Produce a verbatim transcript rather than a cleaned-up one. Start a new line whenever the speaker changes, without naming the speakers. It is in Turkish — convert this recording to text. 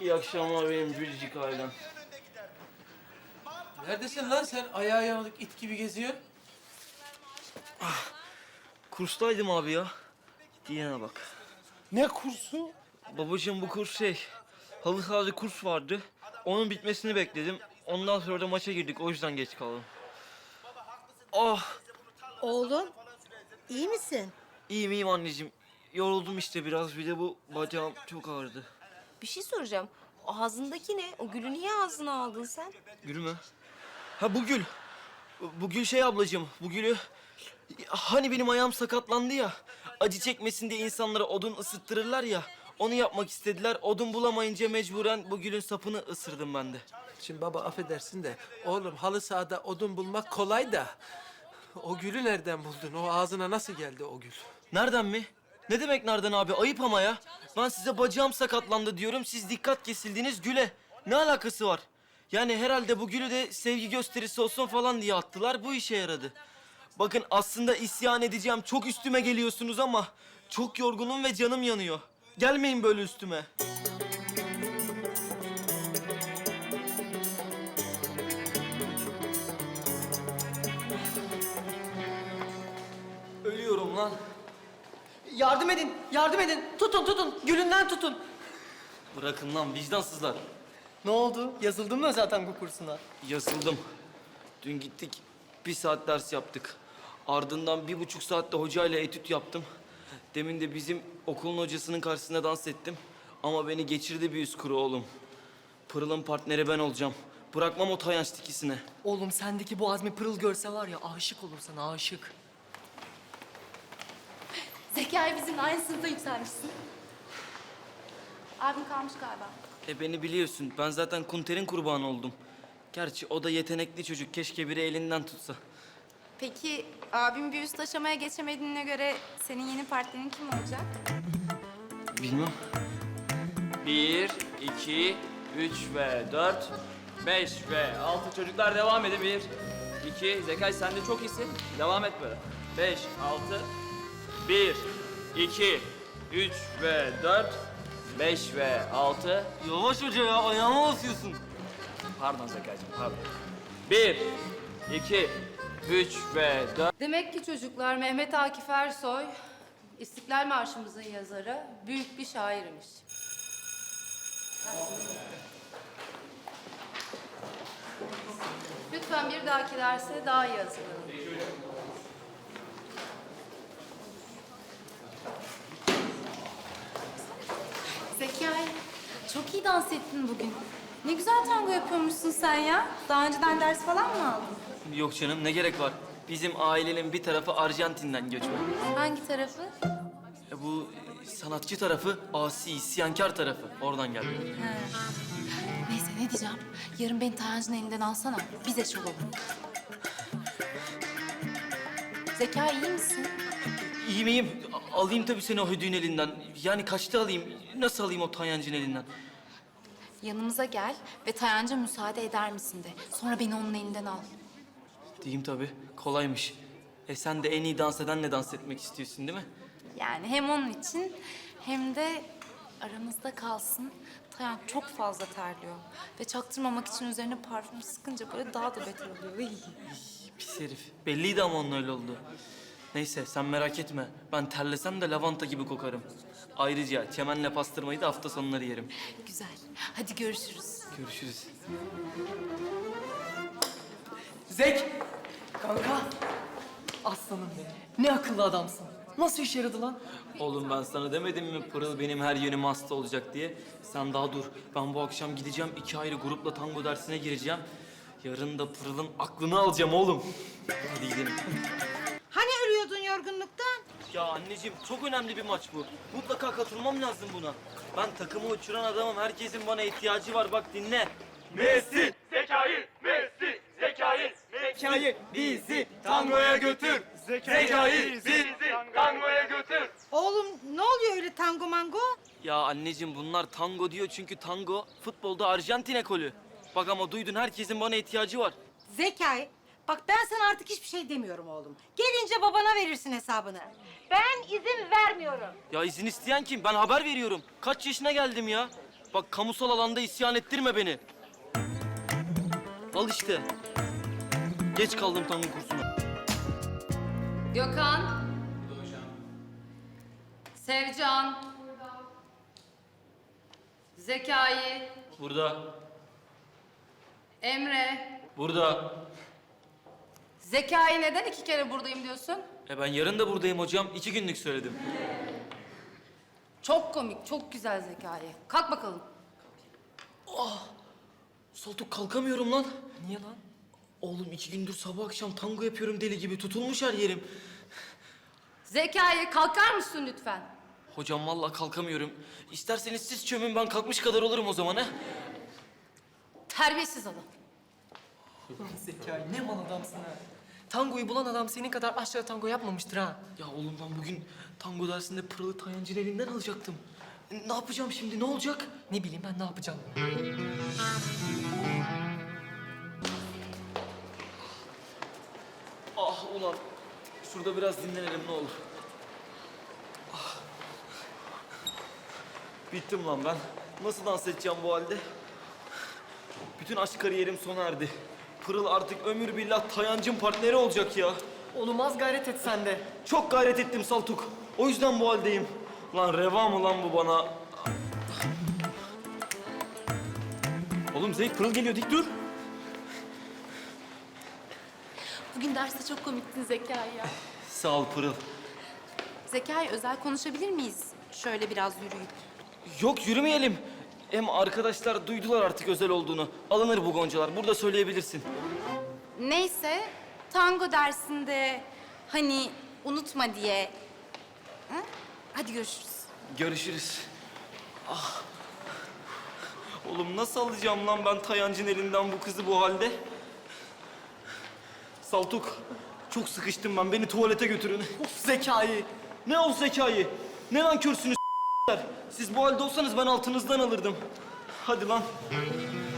İyi akşamlar benim biricik ailem.
Neredesin lan sen? Ayağı yanılık it gibi geziyorsun.
Kurstaydım abi ya. Diyene bak.
Ne kursu?
Babacığım bu kurs şey, halı sahada kurs vardı. Onun bitmesini bekledim. Ondan sonra da maça girdik. O yüzden geç kaldım. Ah,
Oğlum, iyi misin?
iyiyim iyiyim anneciğim. Yoruldum işte biraz. Bir de bu bacağım çok ağrıdı.
Bir şey soracağım. O ağzındaki ne? O gülü niye ağzına aldın sen?
Gül mü? Ha bu gül. Bu gül şey ablacığım. Bu gülü... Hani benim ayağım sakatlandı ya. Acı çekmesin diye insanlara odun ısıttırırlar ya. Onu yapmak istediler. Odun bulamayınca mecburen bu gülün sapını ısırdım ben de.
Şimdi baba affedersin de oğlum halı sahada odun bulmak kolay da o gülü nereden buldun? O ağzına nasıl geldi o gül?
Nereden mi? Ne demek nereden abi? Ayıp ama ya. Ben size bacağım sakatlandı diyorum. Siz dikkat kesildiniz güle. Ne alakası var? Yani herhalde bu gülü de sevgi gösterisi olsun falan diye attılar. Bu işe yaradı. Bakın aslında isyan edeceğim. Çok üstüme geliyorsunuz ama çok yorgunum ve canım yanıyor. Gelmeyin böyle üstüme. Ölüyorum lan.
Yardım edin, yardım edin. Tutun, tutun. Gülünden tutun.
Bırakın lan vicdansızlar.
Ne oldu? Yazıldın mı zaten bu kursuna?
Yazıldım. Dün gittik, bir saat ders yaptık. Ardından bir buçuk saatte hocayla etüt yaptım. Demin de bizim okulun hocasının karşısında dans ettim. Ama beni geçirdi bir yüz kuru oğlum. Pırıl'ın partneri ben olacağım. Bırakmam o tayanç tikisine.
Oğlum sendeki bu azmi Pırıl görse var ya aşık olur sana aşık.
Zekai bizimle aynı sınıfta yükselmişsin. Abim kalmış galiba.
E beni biliyorsun, ben zaten Kunter'in kurbanı oldum. Gerçi o da yetenekli çocuk, keşke biri elinden tutsa.
Peki abim bir üst aşamaya geçemediğine göre senin yeni partnerin kim olacak?
Bilmem.
Bir, iki, üç ve dört, beş ve altı. Çocuklar devam edin. Bir, iki, Zekai sen de çok iyisin. Devam et böyle. Beş, altı. Bir, iki, üç ve dört, beş ve altı.
Yavaş hoca ya, ayağıma basıyorsun.
Pardon Zekai'cim, pardon. Bir, iki, üç ve dört.
Demek ki çocuklar Mehmet Akif Ersoy, İstiklal Marşımızın yazarı, büyük bir şairmiş. Lütfen bir dahaki derse daha iyi hazırlanın. Zekai, çok iyi dans ettin bugün. Ne güzel tango yapıyormuşsun sen ya. Daha önceden ders falan mı aldın?
Yok canım, ne gerek var? Bizim ailenin bir tarafı Arjantin'den göçmen.
Hangi tarafı?
E bu e, sanatçı tarafı, asi, isyankar tarafı. Oradan geldi.
Neyse ne diyeceğim? Yarın beni Tayancı'nın elinden alsana. Biz eş olalım. Zeka iyi misin?
İyiyim iyiyim. A- Alayım tabii seni o hüdüğün elinden. Yani kaçta alayım? Nasıl alayım o Tayancı'nın elinden?
Yanımıza gel ve Tayancı müsaade eder misin de. Sonra beni onun elinden al.
Diyeyim tabii. Kolaymış. E sen de en iyi dans edenle dans etmek istiyorsun değil mi?
Yani hem onun için hem de aramızda kalsın. Tayan çok fazla terliyor. Ve çaktırmamak için üzerine parfüm sıkınca böyle daha da beter oluyor. Iy.
Pis herif. Belliydi ama onun öyle oldu. Neyse sen merak etme. Ben terlesem de lavanta gibi kokarım. Ayrıca çemenle pastırmayı da hafta sonları yerim.
Güzel. Hadi görüşürüz.
Görüşürüz.
Zek! Kanka! Aslanım be. Ne akıllı adamsın. Nasıl işe yaradı lan?
Oğlum ben sana demedim mi Pırıl benim her yönüm hasta olacak diye? Sen daha dur. Ben bu akşam gideceğim, iki ayrı grupla tango dersine gireceğim. Yarın da Pırıl'ın aklını alacağım oğlum. Hadi gidelim.
Hani ölüyordun yorgunluktan?
Ya anneciğim çok önemli bir maç bu. Mutlaka katılmam lazım buna. Ben takımı uçuran adamım. Herkesin bana ihtiyacı var. Bak dinle.
Messi, Zekai, Messi, Zekai, Zekai bizi tangoya götür. Zekai bizi tangoya götür.
Oğlum ne oluyor öyle tango mango?
Ya anneciğim bunlar tango diyor çünkü tango futbolda Arjantin ekolü. Bak ama duydun herkesin bana ihtiyacı var.
Zekai, bak ben sana artık hiçbir şey demiyorum oğlum. Gelince babana verirsin hesabını. Ben izin vermiyorum.
Ya izin isteyen kim? Ben haber veriyorum. Kaç yaşına geldim ya? Bak kamusal alanda isyan ettirme beni. Al işte. Geç kaldım tango kursuna.
Gökhan. Sevcan. Zekai.
Burada.
Emre.
Burada.
Zekai neden iki kere buradayım diyorsun?
E ben yarın da buradayım hocam. İki günlük söyledim.
Çok komik, çok güzel Zekai. Kalk bakalım.
Saltuk kalkamıyorum lan.
Niye lan?
Oğlum iki gündür sabah akşam tango yapıyorum deli gibi. Tutulmuş her yerim.
Zekai kalkar mısın lütfen?
Hocam vallahi kalkamıyorum. İsterseniz siz çömün, ben kalkmış kadar olurum o zaman ha.
Terbiyesiz adam.
Ulan Zekai ne mal adamsın ha. Tangoyu bulan adam senin kadar aşağı tango yapmamıştır ha.
Ya oğlum ben bugün tango dersinde Pırıl'ı Tayancı'nın elinden alacaktım. E, Ne yapacağım şimdi, ne olacak?
Ne bileyim ben ne yapacağım.
Ah ulan. Şurada biraz dinlenelim ne olur. Ah. Bittim lan ben. Nasıl dans edeceğim bu halde? Bütün aşk kariyerim sona erdi. Pırıl artık ömür billah Tayancı'nın partneri olacak ya.
Oğlum az gayret et sen de.
Çok gayret ettim Saltuk. O yüzden bu haldeyim. Lan reva mı lan bu bana? Oğlum Zeyk, Pırıl geliyor, dik dur.
Bugün derste çok komiktin Zekai ya.
Sağ ol Pırıl.
Zekai özel konuşabilir miyiz? Şöyle biraz yürüyüp.
Yok yürümeyelim. Hem arkadaşlar duydular artık özel olduğunu. Alınır bu goncalar. Burada söyleyebilirsin.
Neyse, tango dersinde hani unutma diye. Ha? Hadi görüşürüz.
Görüşürüz. Ah. Oğlum nasıl alacağım lan ben Tayancı'nın elinden bu kızı bu halde? Saltuk, çok sıkıştım ben. Beni tuvalete götürün.
Of Zekai.
Ne o zekayı? Ne nankörsünüz s**ler? Siz bu halde olsanız ben altınızdan alırdım. Hadi lan.